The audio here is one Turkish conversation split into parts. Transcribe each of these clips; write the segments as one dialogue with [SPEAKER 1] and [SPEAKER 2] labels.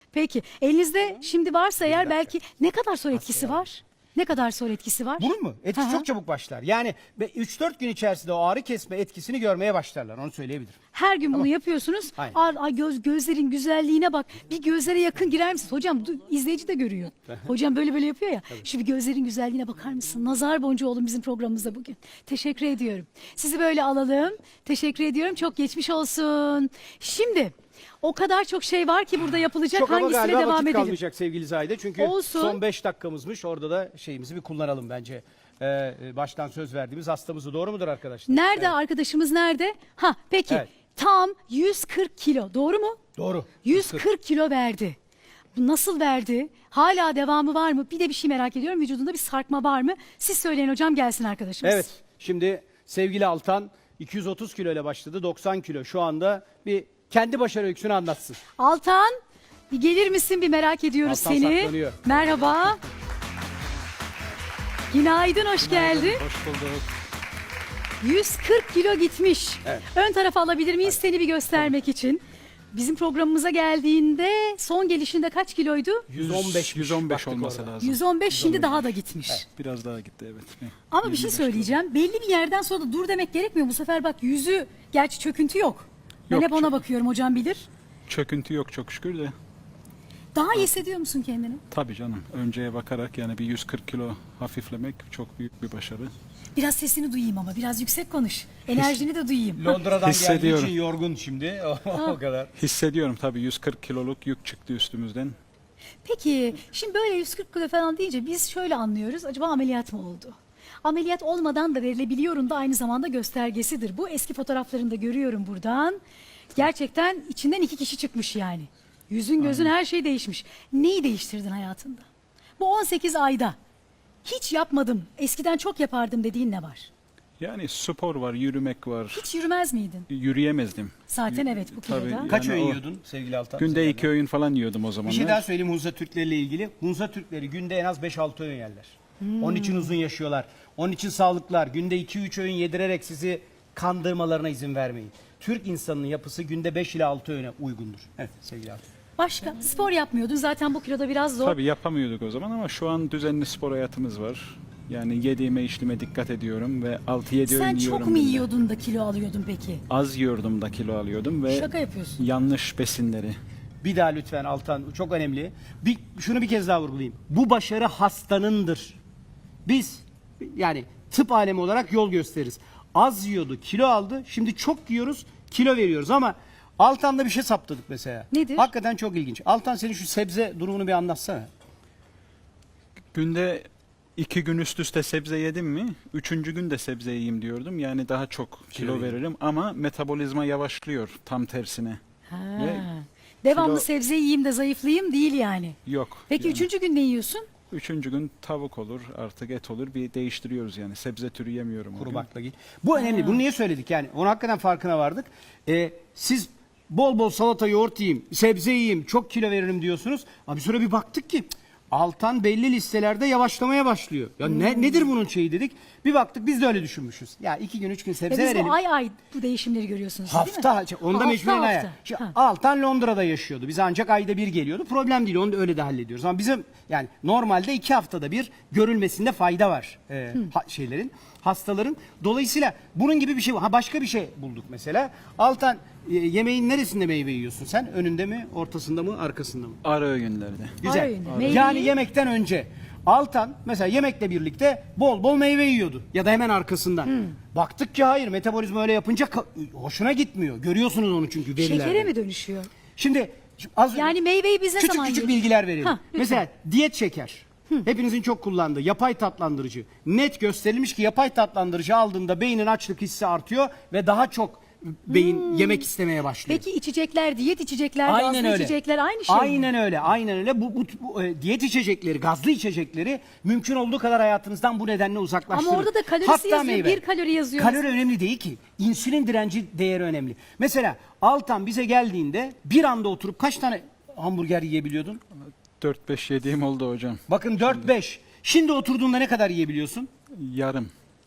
[SPEAKER 1] Peki elinizde şimdi varsa eğer belki ne kadar sonra etkisi var? Ne kadar sonra etkisi var?
[SPEAKER 2] Bunun mu? Etkisi
[SPEAKER 1] Hı hı.
[SPEAKER 2] çok çabuk başlar. Yani 3-4 gün içerisinde o ağrı kesme etkisini görmeye başlarlar. Onu söyleyebilirim.
[SPEAKER 1] Her gün bunu yapıyorsunuz.
[SPEAKER 2] Aynen.
[SPEAKER 1] Ay gözlerin güzelliğine bak. Bir gözlere yakın girer misin? Hocam izleyici de görüyor. Hocam böyle yapıyor ya. Şu bir gözlerin güzelliğine bakar mısın? Nazar boncuğu olun bizim programımızda bugün. Teşekkür ediyorum. Sizi böyle alalım. Teşekkür ediyorum. Çok geçmiş olsun. Şimdi o kadar çok şey var ki burada yapılacak.
[SPEAKER 2] Çok ama
[SPEAKER 1] Hangisine
[SPEAKER 2] galiba
[SPEAKER 1] devam
[SPEAKER 2] vakit
[SPEAKER 1] edelim?
[SPEAKER 2] kalmayacak sevgili Zahide. Çünkü
[SPEAKER 1] Olsun.
[SPEAKER 2] son 5 dakikamızmış. Orada da şeyimizi bir kullanalım bence. Baştan söz verdiğimiz hastamızı, doğru mudur arkadaşlar?
[SPEAKER 1] Nerede arkadaşımız nerede? Ha peki
[SPEAKER 2] Evet.
[SPEAKER 1] tam 140 kilo doğru mu?
[SPEAKER 2] Doğru.
[SPEAKER 1] 140 kilo verdi. Bu nasıl verdi? Hala devamı var mı? Bir de bir şey merak ediyorum. Vücudunda bir sarkma var mı? Siz söyleyin hocam, gelsin arkadaşımız.
[SPEAKER 2] Evet. Şimdi sevgili Altan 230 kilo ile başladı. 90 kilo şu anda. Bir kendi başarı öyküsünü anlatsın.
[SPEAKER 1] Altan bir gelir misin? Bir merak ediyoruz
[SPEAKER 2] Altan
[SPEAKER 1] seni.
[SPEAKER 2] saklanıyor.
[SPEAKER 1] Merhaba. Günaydın, hoş geldin.
[SPEAKER 3] Hoş bulduk.
[SPEAKER 1] 140 kilo gitmiş.
[SPEAKER 2] Evet.
[SPEAKER 1] Ön tarafa alabilir miyiz seni bir göstermek için? Bizim programımıza geldiğinde son gelişinde kaç kiloydu?
[SPEAKER 2] 115
[SPEAKER 3] 115
[SPEAKER 2] baktık
[SPEAKER 3] olması
[SPEAKER 2] orada.
[SPEAKER 3] lazım.
[SPEAKER 1] 115, şimdi daha da gitmiş.
[SPEAKER 3] Biraz daha gitti evet.
[SPEAKER 1] Ama bir şey
[SPEAKER 3] 25
[SPEAKER 1] söyleyeceğim. Belli bir yerden sonra da dur demek gerekmiyor. Bu sefer bak yüzü, gerçi çöküntü yok. Ben
[SPEAKER 3] Yok,
[SPEAKER 1] hep ona bakıyorum, hocam bilir.
[SPEAKER 3] Çöküntü yok çok şükür de.
[SPEAKER 1] Daha iyi hissediyor musun kendini?
[SPEAKER 3] Tabii canım. Önceye bakarak yani bir 140 kilo hafiflemek çok büyük bir başarı.
[SPEAKER 1] Biraz sesini duyayım ama biraz yüksek konuş. Enerjini de duyayım.
[SPEAKER 2] Londra'dan geldiği
[SPEAKER 3] Hissediyorum.
[SPEAKER 2] için yorgun şimdi. O kadar.
[SPEAKER 3] Hissediyorum tabii 140 kiloluk yük çıktı üstümüzden.
[SPEAKER 1] Peki şimdi böyle 140 kilo falan deyince biz şöyle anlıyoruz. Acaba ameliyat mı oldu? Ameliyat olmadan da verilebiliyorum da aynı zamanda göstergesidir. Bu eski fotoğraflarında görüyorum buradan. Gerçekten içinden 2 kişi çıkmış yani. Yüzün gözün her şey değişmiş. Neyi değiştirdin hayatında? Bu 18 ayda hiç yapmadım, eskiden çok yapardım dediğin ne var?
[SPEAKER 3] Yani spor var, yürümek var.
[SPEAKER 1] Hiç yürümez miydin?
[SPEAKER 3] Yürüyemezdim.
[SPEAKER 1] Zaten evet, bu
[SPEAKER 3] Tabii.
[SPEAKER 1] kiloda.
[SPEAKER 2] Kaç
[SPEAKER 3] Yani
[SPEAKER 2] öğün
[SPEAKER 3] o-
[SPEAKER 2] yiyordun sevgili Altan?
[SPEAKER 3] Günde
[SPEAKER 2] Sen
[SPEAKER 3] 2 öğün falan yiyordum o
[SPEAKER 2] Bir
[SPEAKER 3] zamanlar.
[SPEAKER 2] şey daha söyleyeyim Hunza Türkleri ile ilgili. Hunza Türkleri günde en az 5-6 öğün yerler. Onun için uzun yaşıyorlar. Onun için sağlıklılar. Günde 2-3 öğün yedirerek sizi kandırmalarına izin vermeyin. Türk insanının yapısı günde 5 ile 6 öğüne uygundur. Evet sevgili Altan.
[SPEAKER 1] Başka? Spor yapmıyordun zaten, bu kiloda biraz zor.
[SPEAKER 3] Tabii yapamıyorduk o zaman ama şu an düzenli spor hayatımız var. Yani yediğime içtiğime dikkat ediyorum ve 6-7 öğün
[SPEAKER 1] Sen
[SPEAKER 3] yiyorum.
[SPEAKER 1] çok mu
[SPEAKER 3] günde.
[SPEAKER 1] yiyordun da kilo alıyordun peki?
[SPEAKER 3] Az yiyordum da kilo alıyordum ve
[SPEAKER 1] Şaka yapıyorsun.
[SPEAKER 3] yanlış besinleri.
[SPEAKER 2] Bir daha lütfen Altan, çok önemli. Şunu bir kez daha vurgulayayım. Bu başarı hastanındır. Biz yani tıp alemi olarak yol gösteririz. Az yiyordu, kilo aldı. Şimdi çok yiyoruz, kilo veriyoruz ama Altan'da bir şey saptadık mesela.
[SPEAKER 1] Nedir?
[SPEAKER 2] Hakikaten çok ilginç. Altan, senin şu sebze durumunu bir anlatsana.
[SPEAKER 3] Günde 2 gün üst üste sebze yedim mi, 3. gün de sebze yiyeyim diyordum. Yani daha çok kilo veririm ama metabolizma yavaşlıyor tam tersine.
[SPEAKER 1] Ha.
[SPEAKER 3] Ve
[SPEAKER 1] Devamlı
[SPEAKER 3] kilo-
[SPEAKER 1] sebze yiyeyim de zayıflayayım değil yani.
[SPEAKER 3] Yok.
[SPEAKER 1] Peki
[SPEAKER 3] yani.
[SPEAKER 1] üçüncü gün ne yiyorsun?
[SPEAKER 3] 3. gün tavuk olur, artık et olur. Bir değiştiriyoruz yani. Sebze türü yemiyorum. o
[SPEAKER 2] Kuru
[SPEAKER 3] gün.
[SPEAKER 2] baklagil. Bu önemli. Bunu niye söyledik yani? Onun hakikaten farkına vardık. Siz bol bol salata, yoğurt yiyeyim, sebze yiyeyim, çok kilo veririm diyorsunuz. Abi sonra bir baktık ki cık, Altan belli listelerde yavaşlamaya başlıyor. Ya nedir bunun şeyi dedik. Bir baktık biz de öyle düşünmüşüz. Ya 2 gün 3 gün
[SPEAKER 1] Ve
[SPEAKER 2] sebze
[SPEAKER 1] biz
[SPEAKER 2] verelim.
[SPEAKER 1] bu ay bu değişimleri görüyorsunuz değil mi?
[SPEAKER 2] Hafta, onda
[SPEAKER 1] Ha,
[SPEAKER 2] mecburen
[SPEAKER 1] hafta,
[SPEAKER 2] aya.
[SPEAKER 1] hafta.
[SPEAKER 2] Şimdi
[SPEAKER 1] Ha.
[SPEAKER 2] Altan Londra'da yaşıyordu. Biz ancak ayda bir geliyordu. Problem değil, onu da öyle de hallediyoruz. Ama bizim yani normalde 2 haftada bir görülmesinde fayda var hastaların. Dolayısıyla bunun gibi bir şey var. Ha, başka bir şey bulduk mesela. Altan, yemeğin neresinde meyve yiyorsun sen? Önünde mi, ortasında mı, arkasında mı?
[SPEAKER 3] Ara öğünlerde.
[SPEAKER 2] Güzel.
[SPEAKER 1] Ara öğünde. Meyveyi-
[SPEAKER 2] Yani yemekten önce. Altan mesela yemekle birlikte bol bol meyve yiyordu ya da hemen arkasından. Baktık ki hayır, metabolizma öyle yapınca hoşuna gitmiyor. Görüyorsunuz onu çünkü verilerde.
[SPEAKER 1] Şekere mi dönüşüyor?
[SPEAKER 2] Şimdi az
[SPEAKER 1] Yani meyveyi biz ne
[SPEAKER 2] küçük
[SPEAKER 1] zaman
[SPEAKER 2] küçük
[SPEAKER 1] yiyoruz?
[SPEAKER 2] bilgiler verelim.
[SPEAKER 1] Ha, lütfen.
[SPEAKER 2] Mesela diyet şeker. Hepinizin çok kullandığı yapay tatlandırıcı. Net gösterilmiş ki yapay tatlandırıcı aldığında beynin açlık hissi artıyor ve daha çok beyin yemek istemeye başlıyor.
[SPEAKER 1] Peki içecekler, diyet içecekler, gazlı içecekler aynı şey mi?
[SPEAKER 2] Aynen öyle, aynen öyle. Bu diyet içecekleri, gazlı içecekleri mümkün olduğu kadar hayatınızdan bu nedenle uzaklaştırın.
[SPEAKER 1] Ama orada da kalorisi
[SPEAKER 2] Hatta
[SPEAKER 1] yazıyor,
[SPEAKER 2] meyve.
[SPEAKER 1] 1 kalori yazıyor.
[SPEAKER 2] Kalori önemli değil ki. İnsülin direnci değeri önemli. Mesela Altan bize geldiğinde bir anda oturup kaç tane hamburger yiyebiliyordun?
[SPEAKER 3] 4-5 yediğim oldu hocam.
[SPEAKER 2] Bakın 4-5. Şimdi oturduğunda ne kadar yiyebiliyorsun?
[SPEAKER 3] Yarım.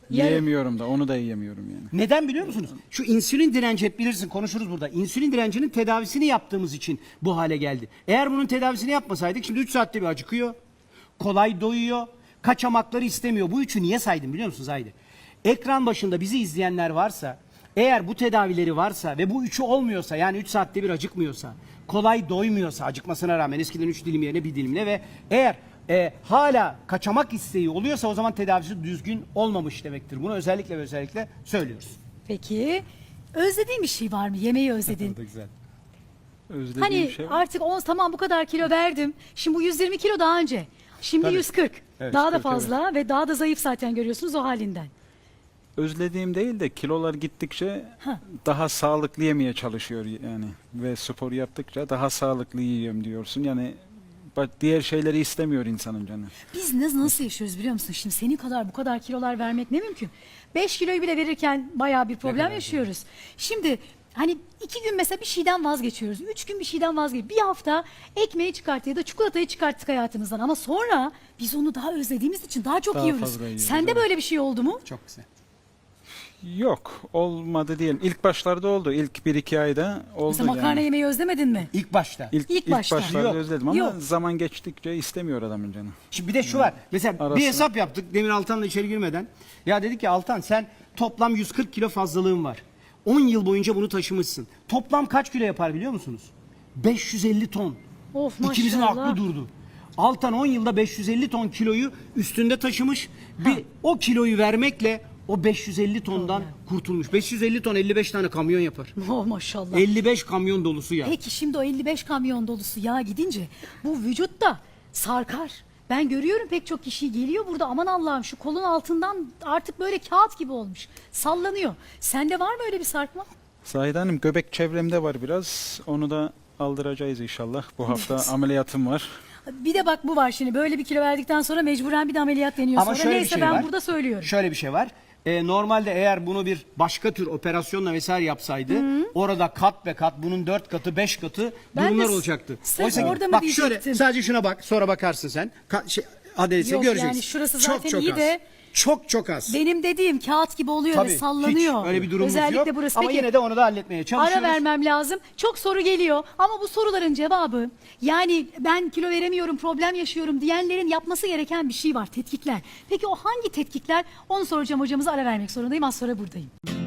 [SPEAKER 3] Yiyemiyorum da, onu da yiyemiyorum yani.
[SPEAKER 2] Neden biliyor musunuz? Şu insülin direnci, hep bilirsin, konuşuruz burada. İnsülin direncinin tedavisini yaptığımız için bu hale geldi. Eğer bunun tedavisini yapmasaydık şimdi 3 saatte bir acıkıyor. Kolay doyuyor. Kaçamakları istemiyor. Bu üçü niye saydım biliyor musunuz Haydi? Ekran başında bizi izleyenler varsa, eğer bu tedavileri varsa ve bu üçü olmuyorsa, yani 3 saatte bir acıkmıyorsa, kolay doymuyorsa, acıkmasına rağmen eskiden 3 dilim yerine 1 dilimle ve eğer hala kaçamak isteği oluyorsa, o zaman tedavisi düzgün olmamış demektir. Bunu özellikle ve özellikle söylüyoruz.
[SPEAKER 1] Peki özlediğin bir şey var mı? Yemeği özledin.
[SPEAKER 2] Güzel.
[SPEAKER 3] Özlediğim
[SPEAKER 1] Hani
[SPEAKER 3] şey var.
[SPEAKER 1] artık tamam bu kadar kilo verdim. Şimdi bu 120 kilo daha önce. Şimdi
[SPEAKER 3] Tabii.
[SPEAKER 1] 140.
[SPEAKER 2] Evet,
[SPEAKER 1] Daha da
[SPEAKER 3] 140,
[SPEAKER 1] fazla ve daha da zayıf zaten görüyorsunuz o halinden.
[SPEAKER 3] Özlediğim değil de kilolar gittikçe daha sağlıklı yemeye çalışıyor yani. Ve spor yaptıkça daha sağlıklı yiyorum diyorsun. Yani diğer şeyleri istemiyor insanın canı.
[SPEAKER 1] Biz nasıl yaşıyoruz biliyor musun? Şimdi senin kadar bu kadar kilolar vermek ne mümkün? 5 kiloyu bile verirken bayağı bir problem yaşıyoruz. Şimdi hani 2 gün mesela bir şeyden vazgeçiyoruz. 3 gün bir şeyden vazgeçiyoruz. Bir hafta ekmeği çıkarttık ya da çikolatayı çıkarttık hayatımızdan. Ama sonra biz onu daha özlediğimiz için daha çok
[SPEAKER 3] Daha
[SPEAKER 1] yiyoruz.
[SPEAKER 3] fazla yiyoruz,
[SPEAKER 1] Sende
[SPEAKER 3] evet.
[SPEAKER 1] böyle bir şey oldu mu?
[SPEAKER 2] Çok güzel.
[SPEAKER 3] Yok, olmadı diyelim. İlk başlarda oldu. İlk 1-2 ayda oldu
[SPEAKER 1] Mesela makarna
[SPEAKER 3] yani.
[SPEAKER 1] yemeyi özlemedin mi?
[SPEAKER 2] İlk başta.
[SPEAKER 1] İlk başta.
[SPEAKER 3] başlarda
[SPEAKER 2] Yok,
[SPEAKER 3] özledim ama
[SPEAKER 1] yok.
[SPEAKER 3] zaman geçtikçe istemiyor adamın canı.
[SPEAKER 2] Şimdi bir de şu var. Mesela
[SPEAKER 3] Arası.
[SPEAKER 2] bir hesap yaptık Demir Altan'la içeri girmeden. Ya dedik ki Altan, sen toplam 140 kilo fazlalığın var. 10 yıl boyunca bunu taşımışsın. Toplam kaç kilo yapar biliyor musunuz? 550 ton.
[SPEAKER 1] Of
[SPEAKER 2] İkimizin
[SPEAKER 1] maşallah.
[SPEAKER 2] aklı durdu. Altan 10 yılda 550 ton kiloyu üstünde taşımış. Bir o kiloyu vermekle o 550 tondan kurtulmuş. 550 ton 55 tane kamyon yapar.
[SPEAKER 1] Oh maşallah.
[SPEAKER 2] 55 kamyon dolusu yağ.
[SPEAKER 1] Peki şimdi o 55 kamyon dolusu yağ gidince bu vücutta sarkar. Ben görüyorum pek çok kişi geliyor burada, aman Allah'ım şu kolun altından artık böyle kağıt gibi olmuş. Sallanıyor. Sende var mı öyle bir sarkma?
[SPEAKER 3] Zahide Hanım, göbek çevremde var biraz. Onu da aldıracağız inşallah. Bu hafta ameliyatım var.
[SPEAKER 1] Bir de bak bu var şimdi, böyle bir kilo verdikten sonra mecburen bir de ameliyat deniyor
[SPEAKER 2] Ama
[SPEAKER 1] sonra.
[SPEAKER 2] şöyle bir
[SPEAKER 1] Neyse
[SPEAKER 2] şey
[SPEAKER 1] ben
[SPEAKER 2] var.
[SPEAKER 1] burada söylüyorum.
[SPEAKER 2] Şöyle bir şey var. Normalde eğer bunu bir başka tür operasyonla vesaire yapsaydı, orada kat be kat, bunun 4 katı 5 katı
[SPEAKER 1] Ben
[SPEAKER 2] durumlar
[SPEAKER 1] de
[SPEAKER 2] olacaktı.
[SPEAKER 1] sırf
[SPEAKER 2] Oysa ki,
[SPEAKER 1] orada mı
[SPEAKER 2] bak
[SPEAKER 1] diyecektim?
[SPEAKER 2] şöyle, sadece şuna bak, sonra bakarsın sen. Adresi
[SPEAKER 1] Yok,
[SPEAKER 2] göreceksin.
[SPEAKER 1] yani şurası zaten iyi
[SPEAKER 2] az.
[SPEAKER 1] de-
[SPEAKER 2] Çok az.
[SPEAKER 1] Benim dediğim kağıt gibi oluyor
[SPEAKER 2] Tabii,
[SPEAKER 1] ve sallanıyor.
[SPEAKER 2] hiç öyle bir durumumuz
[SPEAKER 1] Özellikle
[SPEAKER 2] yok.
[SPEAKER 1] burası.
[SPEAKER 2] Ama
[SPEAKER 1] Peki,
[SPEAKER 2] yine de onu da halletmeye çalışıyoruz.
[SPEAKER 1] ara vermem lazım. Çok soru geliyor ama bu soruların cevabı, yani ben kilo veremiyorum, problem yaşıyorum diyenlerin yapması gereken bir şey var, tetkikler. Peki o hangi tetkikler? Onu soracağım hocamıza, ara vermek zorundayım. Az sonra buradayım.